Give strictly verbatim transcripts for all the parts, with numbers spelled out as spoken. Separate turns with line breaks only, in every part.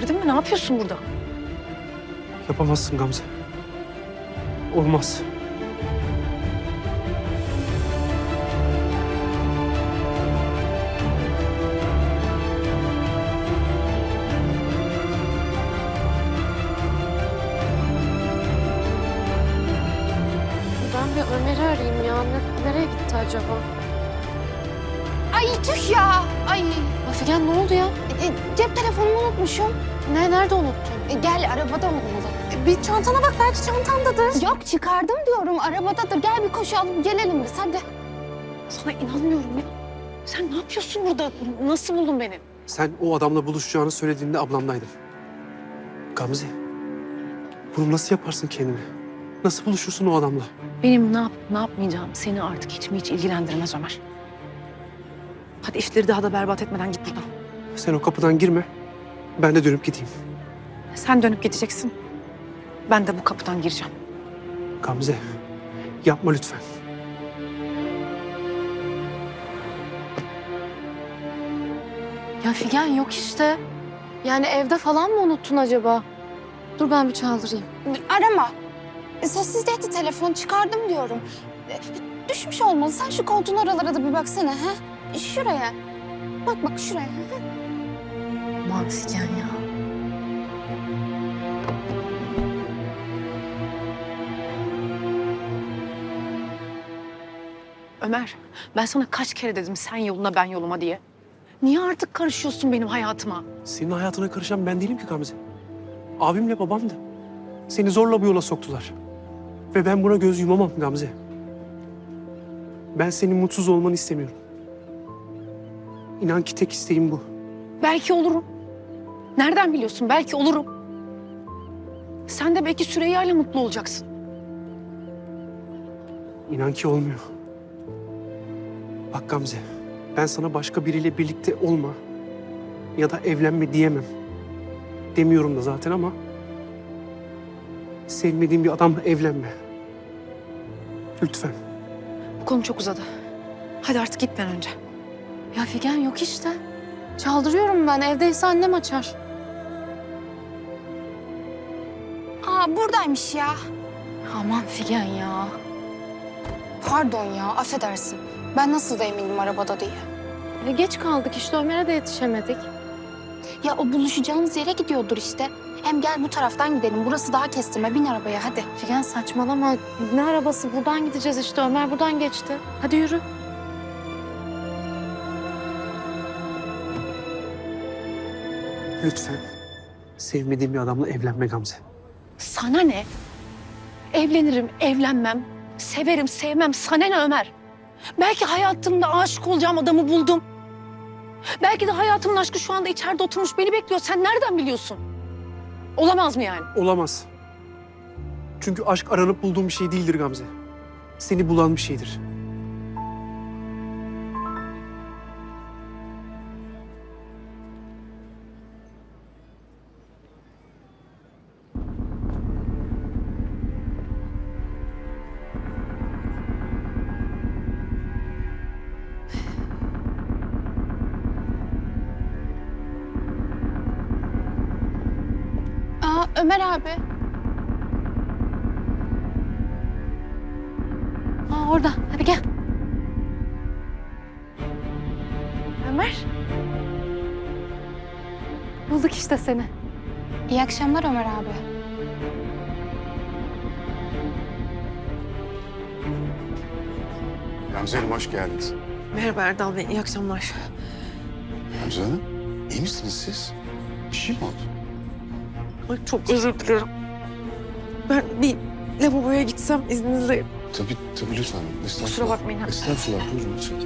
delirdin mi? Ne yapıyorsun burada?
Yapamazsın Gamze. Olmaz.
Ben bir Ömer'i arayayım ya. Ne- nereye gitti acaba?
Ay tüh ya. Ay
Ya Figen ne oldu ya?
e, cep telefonumu unutmuşum.
Ne, nerede unuttun?
E, gel arabada olmalı.
E, bir çantana bak, belki çantandadır.
Yok çıkardım diyorum arabadadır. Gel bir koşu alıp gelelim biz hadi.
Sana inanmıyorum ya. Sen ne yapıyorsun burada? Nasıl buldun beni?
Sen o adamla buluşacağını söylediğinde ablamdaydım. Gamze, bunu nasıl yaparsın kendine? Nasıl buluşursun o adamla?
Benim ne yapıp ne yapmayacağım seni artık hiç mi hiç ilgilendirmez Ömer. Hadi işleri daha da berbat etmeden git buradan.
Sen o kapıdan girme, ben de dönüp gideyim.
Sen dönüp gideceksin. Ben de bu kapıdan gireceğim.
Gamze, yapma lütfen.
Ya Figen yok işte. Yani evde falan mı unuttun acaba? Dur ben bir çaldırayım.
Arama. E, Sessizdeydi telefon çıkardım diyorum. E, Düşmüş olmalı. Sen şu koltuğun aralara da bir baksana. Ha? Şuraya. Bak bak şuraya. Ha?
Aman Figen ya.
Ömer, ben sana kaç kere dedim sen yoluna ben yoluma diye. Niye artık karışıyorsun benim hayatıma?
Senin hayatına karışan ben değilim ki Gamze. Abimle babamdı. Seni zorla bu yola soktular. Ve ben buna göz yumamam Gamze. Ben senin mutsuz olmanı istemiyorum. İnan ki tek isteğim bu.
Belki olurum. Nereden biliyorsun? Belki olurum. Sen de belki Süreyya ile mutlu olacaksın.
İnan ki olmuyor. Bak Gamze, ben sana başka biriyle birlikte olma ya da evlenme diyemem. Demiyorum da zaten ama sevmediğin bir adamla evlenme. Lütfen.
Bu konu çok uzadı. Hadi artık git ben önce.
Ya Figen yok işte. Çaldırıyorum ben. Evdeyse annem açar.
Aa buradaymış ya.
Aman Figen ya.
Pardon ya affedersin. Ben nasıl da eminim arabada diye.
E geç kaldık işte. Ömer'e de yetişemedik.
Ya o buluşacağımız yere gidiyordur işte. Hem gel bu taraftan gidelim. Burası daha kestirme. Bin arabaya hadi.
Figen saçmalama. Ne arabası? Buradan gideceğiz işte. Ömer buradan geçti. Hadi yürü.
Lütfen. Sevmediğim bir adamla evlenme Gamze.
Sana ne? Evlenirim, evlenmem. Severim, sevmem. Sana ne Ömer? Belki hayatımda aşık olacağım adamı buldum. Belki de hayatımın aşkı şu anda içeride oturmuş beni bekliyor. Sen nereden biliyorsun? Olamaz mı yani?
Olamaz. Çünkü aşk aranıp bulduğum bir şey değildir Gamze. Seni bulan bir şeydir.
Aa Ömer abi.
Aa orada. Hadi gel. Ömer. Bulduk işte seni.
İyi akşamlar Ömer abi.
Gamze Hanım hoş geldiniz.
Merhaba Erdal Bey, iyi akşamlar.
Gamze Hanım, iyi misiniz siz? Bir şey mi oldu?
Ay, çok özür dilerim. Ben bir lavaboya gitsem izninizle.
Tabii, tabii lütfen. Estağfurullah.
Kusura bakmayın.
Estağfurullah, buyurun lütfen.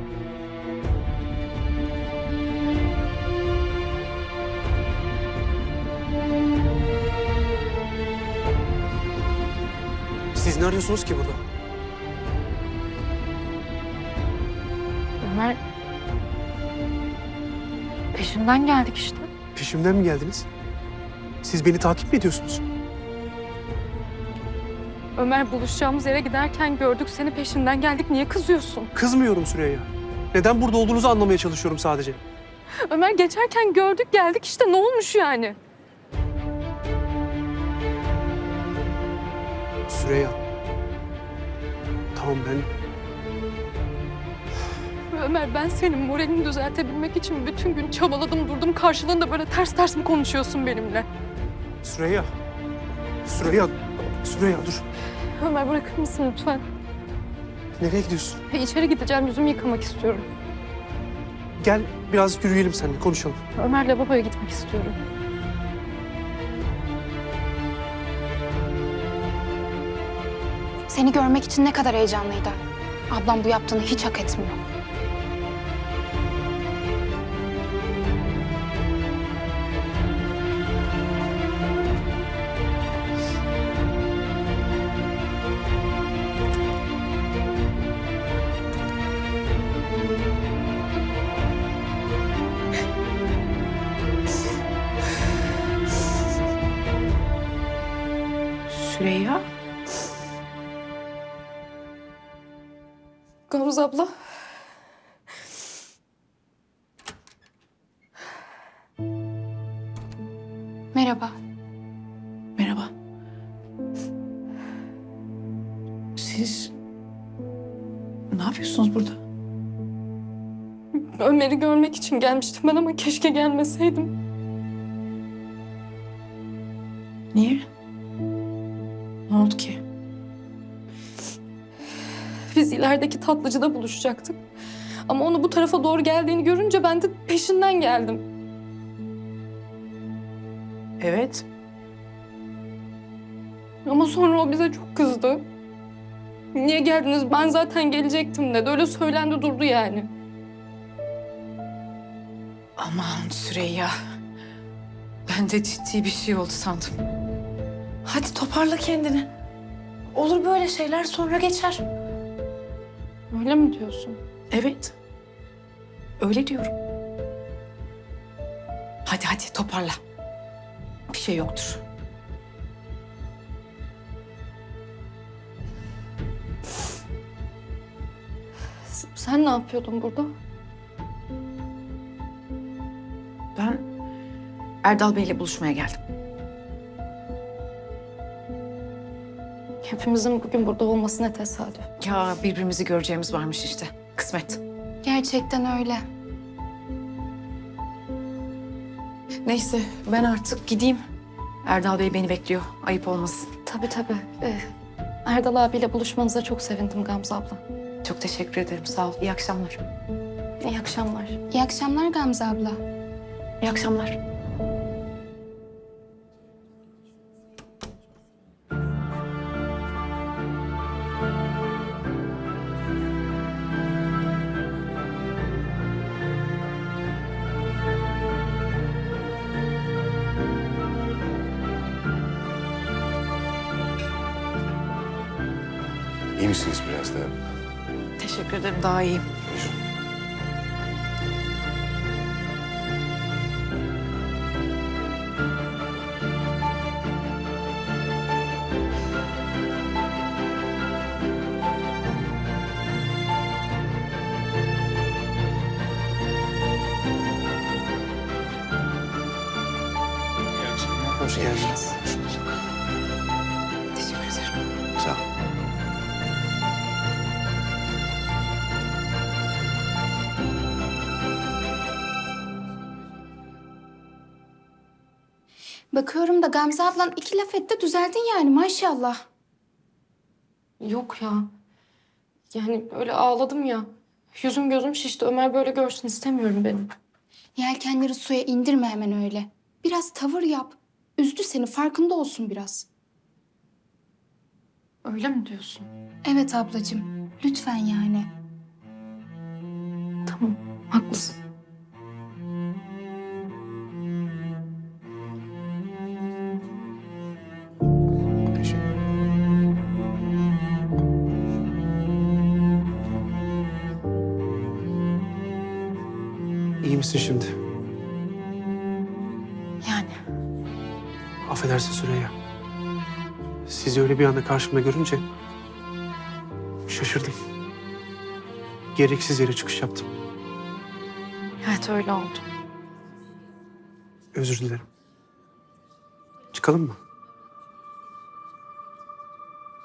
Siz ne arıyorsunuz ki burada?
Ömer. Peşinden geldik işte.
Peşimden mi geldiniz? Siz beni takip mi ediyorsunuz?
Ömer buluşacağımız yere giderken gördük seni, peşinden geldik. Niye kızıyorsun?
Kızmıyorum Süreyya. Neden burada olduğunuzu anlamaya çalışıyorum sadece.
Ömer geçerken gördük geldik işte, ne olmuş yani?
Süreyya. Tamam ben...
Ömer, ben senin moralini düzeltebilmek için bütün gün çabaladım durdum. Karşılığında böyle ters ters mi konuşuyorsun benimle?
Süreyya. Süreyya. Süreyya dur.
Ömer, bırakır mısın lütfen?
Nereye gidiyorsun?
İçeri gideceğim, yüzümü yıkamak istiyorum.
Gel biraz yürüyelim seninle konuşalım.
Ömer'le babaya gitmek istiyorum.
Seni görmek için ne kadar heyecanlıydı. Ablam bu yaptığını hiç hak etmiyor.
Süreyya.
Gamze abla.
Merhaba.
Merhaba. Siz ne yapıyorsunuz burada?
Ömer'i görmek için gelmiştim ben ama keşke gelmeseydim.
Niye? Ne oldu ki?
Biz ilerideki tatlıcıda buluşacaktık. Ama onu bu tarafa doğru geldiğini görünce ben de peşinden geldim.
Evet.
Ama sonra o bize çok kızdı. Niye geldiniz? Ben zaten gelecektim dedi. Öyle söylendi durdu yani.
Aman Süreyya. Ben de ciddi bir şey oldu sandım. Hadi toparla kendini. Olur böyle şeyler, sonra geçer.
Öyle mi diyorsun?
Evet. Öyle diyorum. Hadi hadi toparla. Bir şey yoktur.
S- Sen ne yapıyordun burada?
Ben Erdal Bey'le buluşmaya geldim.
Hepimizin bugün burada olması ne tesadüf.
Ya birbirimizi göreceğimiz varmış işte. Kısmet.
Gerçekten öyle.
Neyse ben artık gideyim. Erdal Bey beni bekliyor. Ayıp olmasın.
Tabii tabii. Ee, Erdal abiyle buluşmanıza çok sevindim Gamze abla.
Çok teşekkür ederim. Sağ ol. İyi akşamlar.
İyi akşamlar.
İyi akşamlar Gamze abla.
İyi akşamlar.
İyi misiniz biraz da?
Teşekkür ederim. Daha iyiyim.
Buyurun.
Hoş geldiniz.
Teşekkür ederim.
Sağ ol.
Bakıyorum da Gamze ablan iki laf etti düzeldin yani maşallah.
Yok ya. Yani öyle ağladım ya. Yüzüm gözüm şişti. Ömer böyle görsün istemiyorum benim.
Yelkenleri suya indirme hemen öyle. Biraz tavır yap. Üzdü seni farkında olsun biraz.
Öyle mi diyorsun?
Evet ablacığım lütfen yani.
Tamam, haklısın.
Teşekkür
İyi misin şimdi?
Yani
Affedersin Süreyya. Sizi öyle bir anda karşımda görünce şaşırdım. Gereksiz yere çıkış yaptım.
Evet öyle oldu.
Özür dilerim. Çıkalım mı?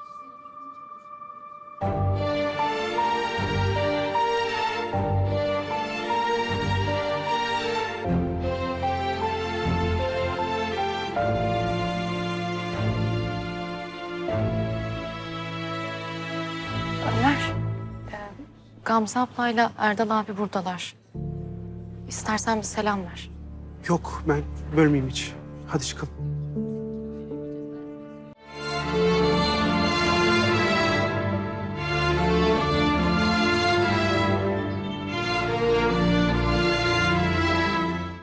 Gamze ablayla Erdal abi buradalar. İstersen bir selam ver.
Yok ben bölmeyeyim hiç. Hadi çıkalım.